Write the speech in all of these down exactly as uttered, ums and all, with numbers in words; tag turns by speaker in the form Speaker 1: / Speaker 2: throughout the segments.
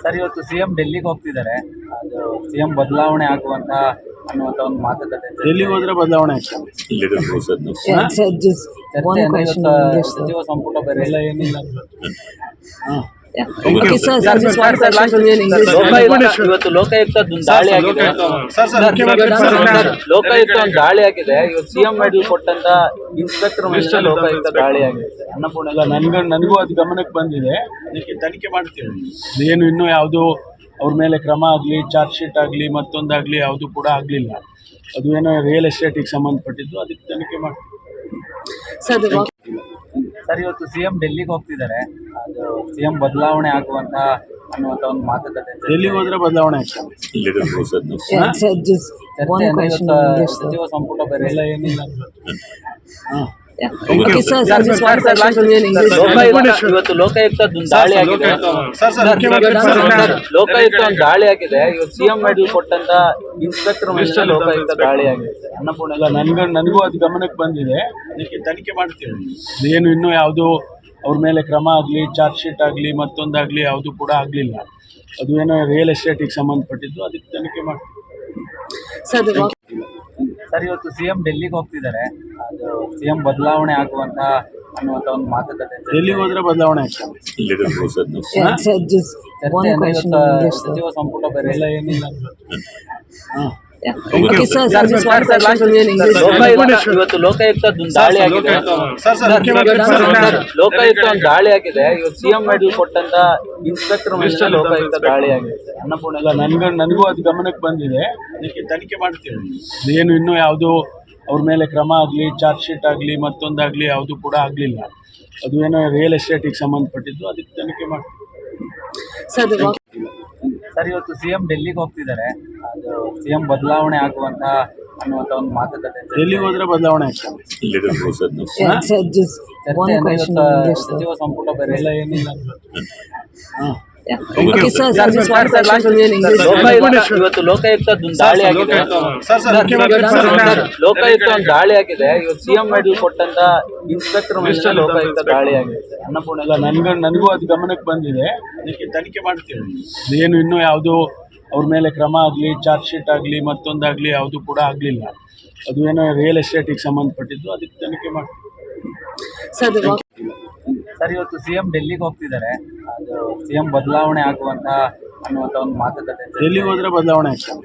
Speaker 1: Sir, ಇವತ್ತು CM ಡೆಲ್ಲಿಗೆ ಹೋಗ್ತಿದ್ದಾರೆ. ಅದು ಸಿಎಂ ಬದಲಾವಣೆ ಆಗುವಂತ ಅನ್ನುವಂತ ಒಂದು ಮಾತುಕತೆ ಇದೆ.
Speaker 2: ಎಲ್ಲಿಗೆ ಹೋದ್ರೆ ಬದಲಾವಣೆ ಆಗ್ತದೆ?
Speaker 3: Yeah, sir, just one
Speaker 1: ಚರ್ಚೆ
Speaker 3: question
Speaker 1: ಇವತ್ತು
Speaker 3: in English, sir.
Speaker 1: ಸಚಿವ ಸಂಪುಟ ಬೇರೆ
Speaker 2: ಎಲ್ಲ ಏನಿಲ್ಲ. ಹಾ.
Speaker 3: Yeah. Okay, sir, sir, just one question for me in English.
Speaker 1: Lokayukta ಇವತ್ತು ಲೋಕಾಯುಕ್ತ ದಾಳಿ ಆಗಿದೆ.
Speaker 2: ಸರ್ ಸರ್
Speaker 1: ಸರ್, ಲೋಕಾಯುಕ್ತ ಒಂದು ದಾಳಿ ಆಗಿದೆ. ಇವತ್ತು ಸಿಎಂ ಮೆಡಲ್ ಕೊಟ್ಟಂತ ಇನ್ಸ್ಪೆಕ್ಟರ್ ಮೇಲೆ ಲೋಕಾಯುಕ್ತ ದಾಳಿ ಆಗಿದೆ. ಅನ್ನಪೂರ್ಣ
Speaker 2: ಅಲ್ಲ, ನನ್ಗ ನನಗೂ ಅದು ಗಮನಕ್ಕೆ ಬಂದಿದೆ. ಅದಕ್ಕೆ ತನಿಖೆ ಮಾಡ್ತೀವಿ. ಏನು ಇನ್ನೂ ಯಾವುದು ಅವ್ರ ಮೇಲೆ ಕ್ರಮ ಆಗಲಿ, ಚಾರ್ಜ್ ಶೀಟ್ ಆಗಲಿ, ಮತ್ತೊಂದಾಗಲಿ ಯಾವುದು ಕೂಡ ಆಗಲಿಲ್ಲ. ಅದು ಏನೋ ರಿಯಲ್ ಎಸ್ಟೇಟಿಗೆ ಸಂಬಂಧಪಟ್ಟಿದ್ದು, ಅದಕ್ಕೆ ತನಿಖೆ ಮಾಡ್ತೀವಿ.
Speaker 3: Sir, the work.
Speaker 1: ಸರ್, ಇವತ್ತು ಸಿಎಂ ಡೆಲ್ಲಿಗೆ ಹೋಗ್ತಿದ್ದಾರೆ. ಅದು ಸಿಎಂ ಬದಲಾವಣೆ ಆಗುವಂತ ಅನ್ನುವಂತ ಒಂದು ಮಾತುಕತೆ ಇದೆ.
Speaker 2: ಎಲ್ಲಿಗೆ ಹೋದ್ರೆ ಬದಲಾವಣೆ ಆಗ್ತದೆ?
Speaker 3: Yeah, sir, just one
Speaker 1: ಚರ್ಚೆ
Speaker 3: question
Speaker 1: ಇವತ್ತು
Speaker 3: in English, sir.
Speaker 1: ಸಚಿವ ಸಂಪುಟ ಬೇರೆ
Speaker 2: ಎಲ್ಲ ಏನಿಲ್ಲ. ಹಾ.
Speaker 3: Yeah. Okay, sir, sir, just one question for me in English.
Speaker 1: Lokayukta ಇವತ್ತು ಲೋಕಾಯುಕ್ತ ಒಂದು ದಾಳಿ ಆಗಿದೆ.
Speaker 2: ಸರ್ ಸರ್
Speaker 1: ಲೋಕಾಯುಕ್ತ ಒಂದು ದಾಳಿ ಆಗಿದೆ. ಇವತ್ತು ಸಿಎಂ ಮೆಡಲ್ ಕೊಟ್ಟಂತ ಇನ್ಸ್ಪೆಕ್ಟರ್ ಮೇಲೆ ಲೋಕಾಯುಕ್ತ ದಾಳಿ ಆಗಿದೆ. ಅನ್ನಪೂರ್ಣ
Speaker 2: ಅಲ್ಲ, ನನ್ಗ ನನಗೂ ಅದು ಗಮನಕ್ಕೆ ಬಂದಿದೆ. ಅದಕ್ಕೆ ತನಿಖೆ ಮಾಡ್ತೀವಿ. ಏನು ಇನ್ನೂ ಯಾವುದು ಅವ್ರ ಮೇಲೆ ಕ್ರಮ ಆಗಲಿ, ಚಾರ್ಜ್ ಶೀಟ್ ಆಗಲಿ, ಮತ್ತೊಂದಾಗಲಿ ಯಾವುದು ಕೂಡ ಆಗಲಿಲ್ಲ. ಅದು ಏನೋ ರಿಯಲ್ ಎಸ್ಟೇಟಿಗೆ ಸಂಬಂಧಪಟ್ಟಿದ್ದು, ಅದಕ್ಕೆ ತನಿಖೆ ಮಾಡ್ತೀವಿ.
Speaker 3: Sir, the work.
Speaker 1: ಸರ್, ಇವತ್ತು ಸಿಎಂ ಡೆಲ್ಲಿಗೆ ಹೋಗ್ತಿದ್ದಾರೆ. ಅದು ಸಿಎಂ ಬದಲಾವಣೆ ಆಗುವಂತ ಅನ್ನುವಂತ ಒಂದು ಮಾತುಕತೆ ಇದೆ.
Speaker 2: ಎಲ್ಲಿಗೆ ಹೋದ್ರೆ ಬದಲಾವಣೆ ಆಗ್ತದೆ?
Speaker 3: Yeah, sir, just one
Speaker 1: ಚರ್ಚೆ
Speaker 3: question
Speaker 1: ಇವತ್ತು
Speaker 3: in English, sir.
Speaker 1: ಸಚಿವ ಸಂಪುಟ ಬೇರೆ
Speaker 2: ಎಲ್ಲ ಏನಿಲ್ಲ. ಹಾ.
Speaker 3: Yeah. Okay, sir, sir, just one question for me in English.
Speaker 1: Lokayukta ಇವತ್ತು ಲೋಕಾಯುಕ್ತ ಒಂದು ದಾಳಿ ಆಗಿದೆ.
Speaker 2: ಸರ್ ಸರ್
Speaker 1: ಲೋಕಾಯುಕ್ತ ಒಂದು ದಾಳಿ ಆಗಿದೆ. ಇವತ್ತು ಸಿಎಂ ಮೆಡಲ್ ಕೊಟ್ಟಂತ ಇನ್ಸ್ಪೆಕ್ಟರ್ ಮೇಲೆ ಲೋಕಾಯುಕ್ತ ದಾಳಿ ಆಗಿದೆ. ಅನ್ನಪೂರ್ಣ
Speaker 2: ಅಲ್ಲ, ನನ್ಗ ನನಗೂ ಅದು ಗಮನಕ್ಕೆ ಬಂದಿದೆ. ಅದಕ್ಕೆ ತನಿಖೆ ಮಾಡ್ತೀವಿ. ಏನು ಇನ್ನೂ ಯಾವುದು ಅವ್ರ ಮೇಲೆ ಕ್ರಮ ಆಗಲಿ, ಚಾರ್ಜ್ ಶೀಟ್ ಆಗಲಿ, ಮತ್ತೊಂದಾಗಲಿ ಯಾವುದು ಕೂಡ ಆಗಲಿಲ್ಲ. ಅದು ಏನೋ ರಿಯಲ್ ಎಸ್ಟೇಟಿಗೆ ಸಂಬಂಧಪಟ್ಟಿದ್ದು, ಅದಕ್ಕೆ ತನಿಖೆ ಮಾಡ್ತೀವಿ.
Speaker 3: Sir, the work.
Speaker 1: ಸರ್, ಇವತ್ತು ಸಿಎಂ ಡೆಲ್ಲಿಗೆ ಹೋಗ್ತಿದ್ದಾರೆ. ಅದು ಸಿಎಂ ಬದಲಾವಣೆ ಆಗುವಂತ ಅನ್ನುವಂತ ಒಂದು ಮಾತುಕತೆ ಇದೆ.
Speaker 2: ಎಲ್ಲಿಗೆ ಹೋದ್ರೆ ಬದಲಾವಣೆ ಆಗ್ತದೆ?
Speaker 3: Yeah, sir, just one
Speaker 1: ಚರ್ಚೆ
Speaker 3: question
Speaker 1: ಇವತ್ತು
Speaker 3: in English, sir.
Speaker 1: ಸಚಿವ ಸಂಪುಟ ಬೇರೆ
Speaker 2: ಎಲ್ಲ ಏನಿಲ್ಲ. ಹಾ.
Speaker 3: Yeah. Okay, sir, sir, just one question for me in English.
Speaker 1: Lokayukta ಇವತ್ತು ಲೋಕಾಯುಕ್ತ ಒಂದು ದಾಳಿ ಆಗಿದೆ.
Speaker 2: ಸರ್ ಸರ್
Speaker 1: ಲೋಕಾಯುಕ್ತ ಒಂದು ದಾಳಿ ಆಗಿದೆ. ಇವತ್ತು ಸಿಎಂ ಮೆಡಲ್ ಕೊಟ್ಟಂತ ಇನ್ಸ್ಪೆಕ್ಟರ್ ಮೇಲೆ ಲೋಕಾಯುಕ್ತ ದಾಳಿ ಆಗಿದೆ. ಅನ್ನಪೂರ್ಣ
Speaker 2: ಅಲ್ಲ, ನನ್ಗ ನನಗೂ ಅದು ಗಮನಕ್ಕೆ ಬಂದಿದೆ. ಅದಕ್ಕೆ ತನಿಖೆ ಮಾಡ್ತೀವಿ. ಏನು ಇನ್ನೂ ಯಾವುದು ಅವ್ರ ಮೇಲೆ ಕ್ರಮ ಆಗಲಿ, ಚಾರ್ಜ್ ಶೀಟ್ ಆಗಲಿ, ಮತ್ತೊಂದಾಗಲಿ ಯಾವುದು ಕೂಡ ಆಗಲಿಲ್ಲ. ಅದು ಏನೋ ರಿಯಲ್ ಎಸ್ಟೇಟಿಗೆ ಸಂಬಂಧಪಟ್ಟಿದ್ದು, ಅದಕ್ಕೆ ತನಿಖೆ ಮಾಡ್ತೀವಿ.
Speaker 3: Sir, the work.
Speaker 1: ಸರ್, ಇವತ್ತು ಸಿಎಂ ಡೆಲ್ಲಿಗೆ ಹೋಗ್ತಿದ್ದಾರೆ. ಅದು ಸಿಎಂ ಬದಲಾವಣೆ ಆಗುವಂತ ಅನ್ನುವಂತ ಒಂದು ಮಾತುಕತೆ ಇದೆ.
Speaker 2: ಎಲ್ಲಿಗೆ ಹೋದ್ರೆ ಬದಲಾವಣೆ ಆಗ್ತದೆ?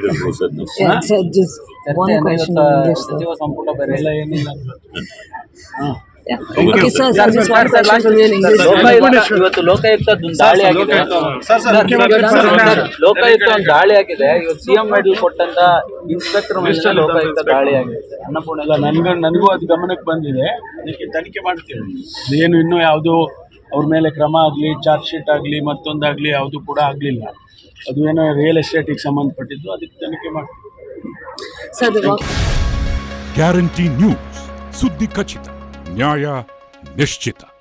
Speaker 3: Yeah, sir, just one
Speaker 1: ಚರ್ಚೆ
Speaker 3: question
Speaker 1: ಇವತ್ತು
Speaker 3: in English, sir.
Speaker 1: ಸಚಿವ ಸಂಪುಟ ಬೇರೆ
Speaker 2: ಎಲ್ಲ ಏನಿಲ್ಲ. ಹಾ.
Speaker 3: Yeah. Okay, sir, sir, just one question for me in English.
Speaker 1: Lokayukta ಇವತ್ತು ಲೋಕಾಯುಕ್ತ ಒಂದು ದಾಳಿ ಆಗಿದೆ.
Speaker 2: ಸರ್ ಸರ್
Speaker 1: ಲೋಕಾಯುಕ್ತ ಒಂದು ದಾಳಿ ಆಗಿದೆ. ಇವತ್ತು ಸಿಎಂ ಮೆಡಲ್ ಕೊಟ್ಟಂತ ಇನ್ಸ್ಪೆಕ್ಟರ್ ಮೇಲೆ ಲೋಕಾಯುಕ್ತ ದಾಳಿ ಆಗಿದೆ. ಅನ್ನಪೂರ್ಣ
Speaker 2: ಅಲ್ಲ, ನನ್ಗ ನನಗೂ ಅದು ಗಮನಕ್ಕೆ ಬಂದಿದೆ. ಅದಕ್ಕೆ ತನಿಖೆ ಮಾಡ್ತೀವಿ. ಏನು ಇನ್ನೂ ಯಾವುದು ಅವ್ರ ಮೇಲೆ ಕ್ರಮ ಆಗಲಿ, ಚಾರ್ಜ್ ಶೀಟ್ ಆಗಲಿ, ಮತ್ತೊಂದಾಗಲಿ ಯಾವುದು ಕೂಡ ಆಗಲಿಲ್ಲ. ಅದು ಏನೋ ರಿಯಲ್ ಎಸ್ಟೇಟಿಗೆ ಸಂಬಂಧಪಟ್ಟಿದ್ದು, ಅದಕ್ಕೆ ತನಿಖೆ ಮಾಡ್ತೀವಿ.
Speaker 3: Sir, the work.
Speaker 4: Guarantee news, ಸುದ್ದಿ ಖಚಿತ, ನ್ಯಾಯ ನಿಶ್ಚಿತ.